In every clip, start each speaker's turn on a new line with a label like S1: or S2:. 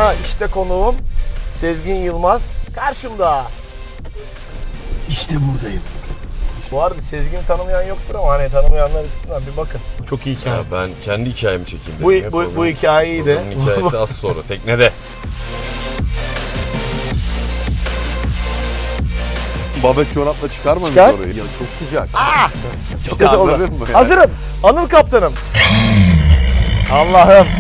S1: Ha işte konuğum Sezgin Yılmaz karşımda.
S2: İşte buradayım.
S1: Bu arada Sezgin'i tanımayan yoktur ama hani tanımayanlar açısından bir bakın. Çok iyi hikaye.
S3: Ya ben kendi hikayemi çekeyim dedim.
S1: Bu hikayeyi de.
S3: Bunun hikayesi az sonra teknede.
S2: Babet çorapla çıkar mı
S1: Çıkar.
S2: orayı? Ya çok sıcak.
S1: İşte oldu.
S2: anladın mı?
S1: Hazırım. Anıl kaptanım. Allah'ım.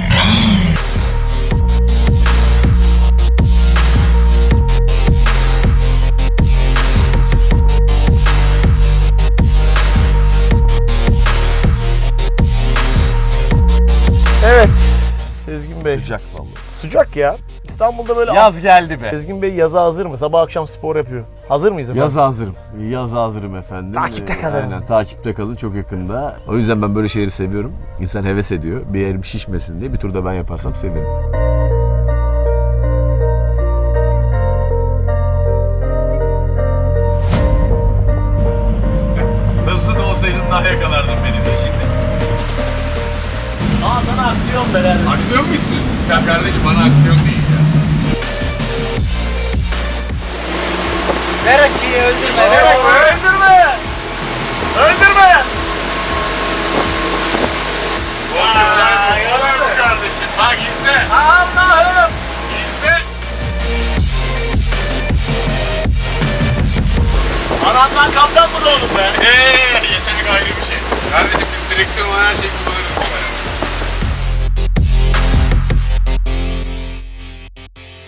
S1: Evet. Sezgin Bey.
S2: Sıcak vallahi.
S1: Sıcak ya. İstanbul'da böyle...
S4: Yaz geldi be.
S1: Sezgin Bey yaza hazır mı? Sabah akşam spor yapıyor. Hazır mıyız efendim?
S4: Yaza hazırım. Yaza hazırım efendim.
S1: Takipte kalın.
S4: Aynen takipte kalın çok yakında. O yüzden ben böyle şeyleri seviyorum. İnsan heves ediyor. Bir yerim şişmesin diye bir turda ben yaparsam sevinirim. Hızlı da olsaydın daha yakalardın beni de şimdi.
S1: Aa sana aksiyon be.
S4: Aksiyon mu istiyorsun? Ya kardeşim bana aksiyon değil ya.
S5: Ver açıyı öldürme. Ver
S1: Evet,
S5: açıyı.
S1: öldürme! Öldürme!
S4: Olur mu kardeşim? Bak izle.
S1: Allah'ım!
S4: İzle.
S1: Arandan kaptan mı doğdun be?
S4: Yetenek ayrı bir şey. Kardeşim biz direksiyon olan her şeyi kullanabiliriz.